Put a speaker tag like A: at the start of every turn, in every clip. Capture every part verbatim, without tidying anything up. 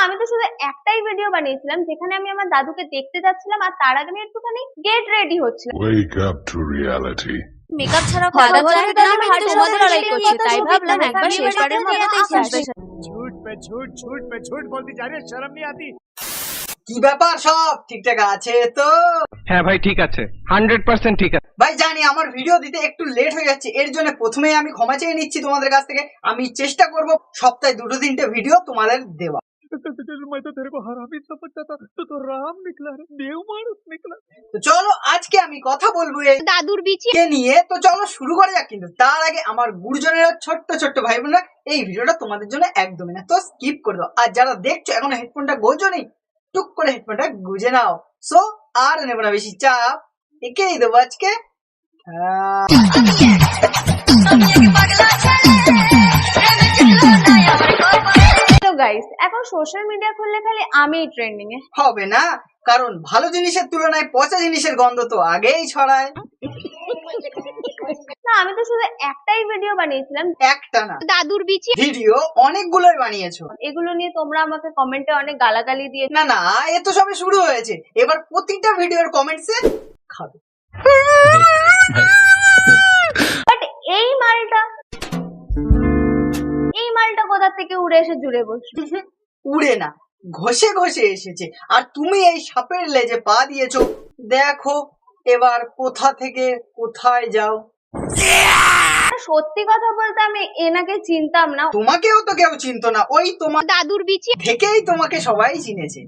A: আমি তো শুধু একটাই ভিডিও বানিয়েছিলাম যেখানে আমি আমার দাদুকে দেখতে যাচ্ছিলাম আর তার আগে আমি একটুখানি গেট রেডি হচ্ছিলাম।
B: Wake up to reality.
A: Makeup ছাড়া কথা বলে দাদুর হার্টের সাথে লড়াই করছে, তাই ভাবলাম একবার শেষবারের মতো দেখে আসবে।
C: झूठ पे झूठ झूठ पे झूठ बोलती जा रही है, शर्म नहीं आती?
D: কি ব্যাপার, সব ঠিকঠাক আছে তো?
E: হ্যাঁ ভাই ঠিক আছে, হান্ড্রেড পার্সেন্ট ঠিক আছে
D: ভাই জানি আমার ভিডিও দিতে একটু লেট হয়ে যাচ্ছে, এর জন্য প্রথমেই আমি ক্ষমা চেয়ে নিচ্ছি তোমাদের কাছ থেকে। আমি চেষ্টা করব সপ্তাহে দুটো তিনটে ভিডিও তোমাদের দেওয়া।
C: मैं तो तेरे को हरामी समझता था, तू तो राम निकला रे, देव मानुस निकला।
D: তো চলো আজকে আমি কথা বলবো এই
A: দাদুর বিচি
D: কে নিয়ে। তো চলো শুরু করা যাক, কিন্তু তার আগে আমার গুরুজনেরা, ছোট্ট ছোট্ট ভাই বোনরা, এই ভিডিওটা তোমাদের জন্য একদমই না, তো স্কিপ করে দাও। আর যারা দেখছো এখন হেডফোনটা গোজো নেই, টুক করে হেডফোনটা গুজে নাও। সো আর নেবো না বেশি চাপ, একেই দেবো আজকে।
A: তো গাইস, এখন সোশ্যাল মিডিয়া খুললে খালি আমিই ট্রেন্ডিং এ।
D: হবে না, কারণ ভালো জিনিসের তুলনায় পচা জিনিসের গন্ধ তো আগেই ছড়ায়।
A: না, আমি তো শুধু একটাই ভিডিও বানিয়েছিলাম
D: একটা না,
A: দাদুর বিচি।
D: ভিডিও অনেকগুলোই বানিয়েছো।
A: এগুলো নিয়ে তোমরা আমাকে কমেন্টে অনেক গালাগালি দিয়ে।
D: না না, এ তো সবে শুরু হয়েছে, এবার প্রতিটা ভিডিওর কমেন্টসে খাবে।
A: বাট এই মালটা এই মালটা কোথা থেকে উড়ে এসে জুড়ে বসলো?
D: উড়ে না, ঘষে ঘষে এসেছে। আর তুমি এই সাপের লেজে পা দিয়েছো, দেখো এবার কোথা থেকে কোথায় যাও।
A: সত্যি কথা বলতে আমি এনাকে চিনতাম না।
D: তোমাকেও তো কেউ চিনতো না, ওই তোমার
A: দাদুর বিচি
D: থেকেই তোমাকে সবাই চিনেছে।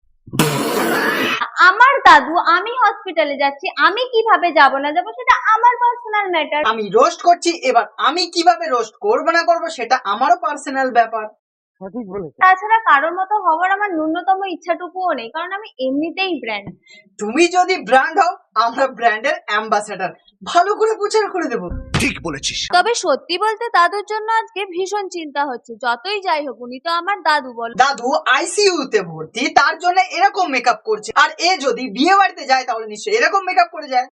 A: আমার দাদু, আমি হসপিটালে যাচ্ছি, আমি কিভাবে যাব না যাব সেটা আমার পার্সোনাল ম্যাটার।
D: আমি রোস্ট করছি, এবার আমি কিভাবে রোস্ট করবো না করবো সেটা আমারও পার্সোনাল ব্যাপার।
C: सटीक बोले।
A: তাছাড়া কারোর মতো হওয়ার আমার ন্যূনতম ইচ্ছাটুকুও নেই, কারণ আমি এমনিতেই ব্র্যান্ড।
D: তুমি যদি ব্র্যান্ড হও, আমরা ব্র্যান্ডের অ্যাম্বাসেডর, ভালো করে প্রচার করে দেবো।
C: ठीक बोलेছিস।
A: তবে সত্যি বলতে দাদুর জন্য আজকে ভীষণ চিন্তা হচ্ছে। যতই যাই হোক, উনি তো আমার দাদু, বল।
D: দাদু আইসিইউ তে ভর্তি, তার জন্য এরকম মেকআপ করছে। আর এ যদি বিয়ে বাড়িতে যায় তাহলে নিশ্চয়ই এরকম মেকআপ করে যায়।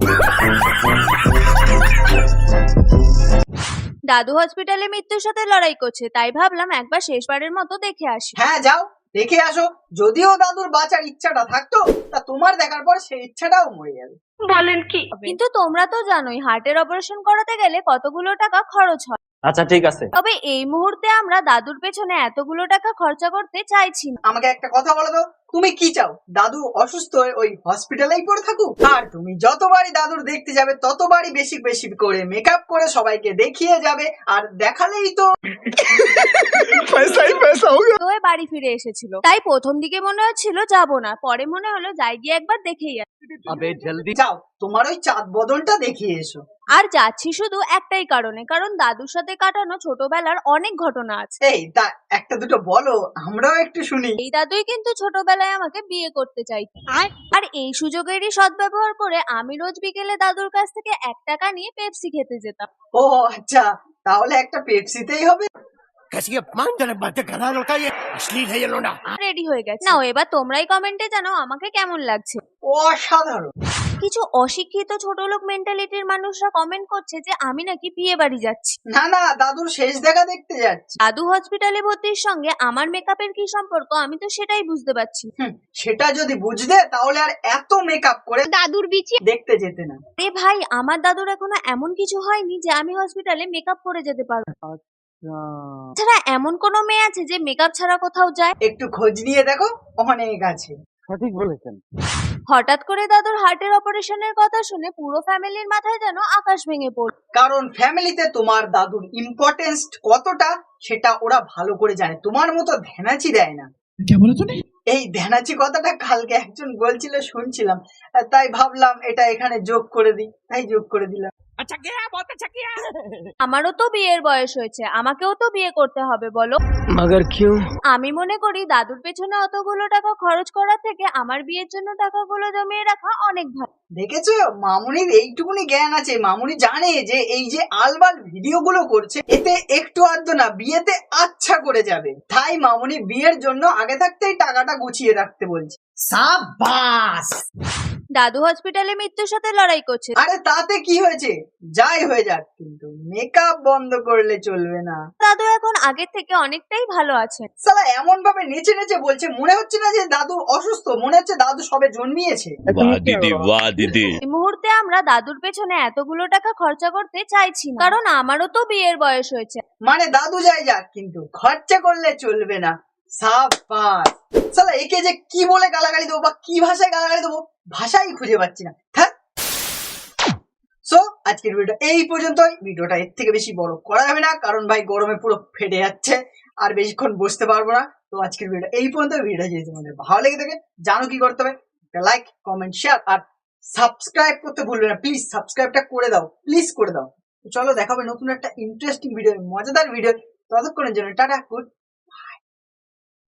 A: দাদু হসপিটালে মৃত্যুর সাথে লড়াই করছে, তাই ভাবলাম একবার শেষবারের মতো দেখে আসি।
D: হ্যাঁ যাও, দেখে আসো। যদিও দাদুর বাঁচার ইচ্ছাটা থাকতো, তা তোমার দেখার পর সেই ইচ্ছাটাও মরে যাবে।
A: বলেন কি? কিন্তু তোমরা তো জানোই হার্টের অপারেশন করাতে গেলে কতগুলো টাকা খরচ হয়।
F: আচ্ছা ঠিক আছে।
A: তবে এই মুহূর্তে আমরা দাদুর পেছনে এতগুলো টাকা খরচা করতে চাইছি না।
D: আমাকে একটা কথা বলো তো, তুমি কি চাও? দাদু অসুস্থ হয়ে ওই হসপিটালেই পড়ে থাকুক? আর তুমি যতবারই দাদুর দেখতে যাবে ততবারই বেশি বেশি করে মেকআপ করে সবাইকে দেখিয়ে যাবে, আর দেখালেই তো
C: पैसा ही पैसा हो गया।
A: তো এ বাড়ি ফিরে এসেছিল, তাই প্রথম দিকে মনে হচ্ছিল যাব না, পরে মনে হলো যাই গিয়ে একবার দেখেই আসি।
F: আবে জলদি
D: যাও, তোমার ওই চাঁদ বদনটা দেখিয়ে এসো।
A: আর যাচ্ছি শুধু একটাই কারণে, কারণ দাদুর সাথে কাটানো ছোটবেলার অনেক ঘটনা আছে।
D: এই তা একটা দুটো বলো, আমরাও একটু শুনি।
A: এই দাদুই কিন্তু ছোটবেলায় আমাকে বিয়ে করতে চাইতো, আর এই সুযোগেরই সদ্ব্যবহার করে আমি রোজ বিকেলে দাদুর কাছ থেকে এক টাকা নিয়ে পেপসি খেতে যেতাম।
D: ও আচ্ছা, তাহলে একটা পেপসিতেই হবে।
C: कैसी अपमानजनक बातें कर रहा है लड़का, ये अश्लील है ये लोना।
A: রেডি হয়ে গেছে নাও, এবার তোমরাই কমেন্টে জানাও আমাকে কেমন লাগছে।
D: অসাধারণ।
A: কিছু অশিক্ষিত ছোট লোক মেন্টালিটির মানুষরা কমেন্ট করছে যে আমি নাকি বিয়ে বাড়ি যাচ্ছি।
D: না না, দাদুর শেষ দেখা দেখতে যাচ্ছি।
A: দাদু হসপিটালে ভর্তির সঙ্গে আমার মেকআপের কি সম্পর্ক, আমি তো সেটাই বুঝতে পারছি।
D: হুম, সেটা যদি বুঝতে তাহলে আর এত মেকআপ করে
A: দাদুর বিচি
D: দেখতে যেতে না।
A: রে ভাই, আমার দাদুর এখনো এমন কিছু হয়নি যে আমি হসপিটালে মেকআপ করে যেতে পারবো। ছাড়া এমন কোনো মেয়ে আছে যে মেকআপ ছাড়া কোথাও যায়?
D: একটু খোঁজ নিয়ে দেখো, অনেক আছে।
F: সঠিক বলেছেন।
A: হঠাৎ করে দাদুর হার্টের অপারেশনের কথা শুনে পুরো ফ্যামিলির মাথায় যেন আকাশ ভেঙে পড়ল।
D: কারণ ফ্যামিলিতে তোমার দাদুর ইম্পর্টেন্স কতটা সেটা ওরা ভালো করে জানে, তোমার মতো ধ্যানাচি দেয় না। এই ধ্যানাচি কথাটা কালকে একজন বলছিল, শুনছিলাম, তাই ভাবলাম এটা এখানে যোগ করে দিই, তাই যোগ করে দিলাম।
C: अच्छा किया, बहुत अच्छा किया।
A: আমারও তো বিয়ের বয়স হয়েছে, আমাকেও তো বিয়ে করতে হবে, বলো।
F: মগর কিউ?
A: আমি মনে করি দাদুর পেছনে অতগুলো টাকা খরচ করার থেকে আমার বিয়ের জন্য টাকাগুলো জমিয়ে রাখা অনেক ভালো।
D: দেখেছো, মামুনির এইটুকুনি জ্ঞান আছে। মামুনি জানে যে এই যে আলবাল ভিডিও গুলো করছে, এতে একটু আধটু না বিয়েতে আচ্ছা করে যাবে, তাই মামুনি বিয়ের জন্য আগে থাকতেই টাকাটা গুছিয়ে রাখতে বলছে। সাবাস।
A: দাদু হসপিটালে মৃত্যুর সাথে লড়াই করছে।
D: আরে তাতে কি হয়েছে, যাই হয়ে যাক, কিন্তু মেকআপ বন্ধ করলে চলবে না।
A: দাদু এখন আগের থেকে অনেকটাই ভালো আছেন।
D: সালা এমন ভাবে নেচে নেচে বলছে, মনে হচ্ছে না যে দাদু অসুস্থ, মনে হচ্ছে দাদু সবে জন্মিয়েছে।
G: वाह दीदी वाह दीदी
A: এই মুহূর্তে আমরা দাদুর পেছনে এতগুলো টাকা খরচা করতে চাইছি না, কারণ আমারও তো বিয়ের বয়স হয়েছে।
D: মানে দাদু যাই যাক, কিন্তু খরচা করলে চলবে না। সাবাস। সালা একে যে কি বলে গালাগালি দেবো বা কি ভাষায় গালাগালি দেবো, ভাষাই খুঁজে পাচ্ছি না। হ্যাঁ, সো আজকের ভিডিওটা এই পর্যন্তই। ভিডিওটা এর থেকে বেশি বড় করা যাবে না, কারণ ভাই গরমে পুরো ফেটে যাচ্ছে, আর বেশিক্ষণ বসতে পারবো না। তো আজকের ভিডিওটা এই পর্যন্ত। ভিডিওটা যদি তোমাদের ভালো লেগে থাকে, জানো কি করতে হবে, একটা লাইক, কমেন্ট, শেয়ার আর সাবস্ক্রাইব করতে ভুলবে না। প্লিজ সাবস্ক্রাইবটা করে দাও, প্লিজ করে দাও। তো চলো, দেখাবে নতুন একটা ইন্টারেস্টিং ভিডিও, মজাদার ভিডিও। ততক্ষণের জন্য টাটা, গুড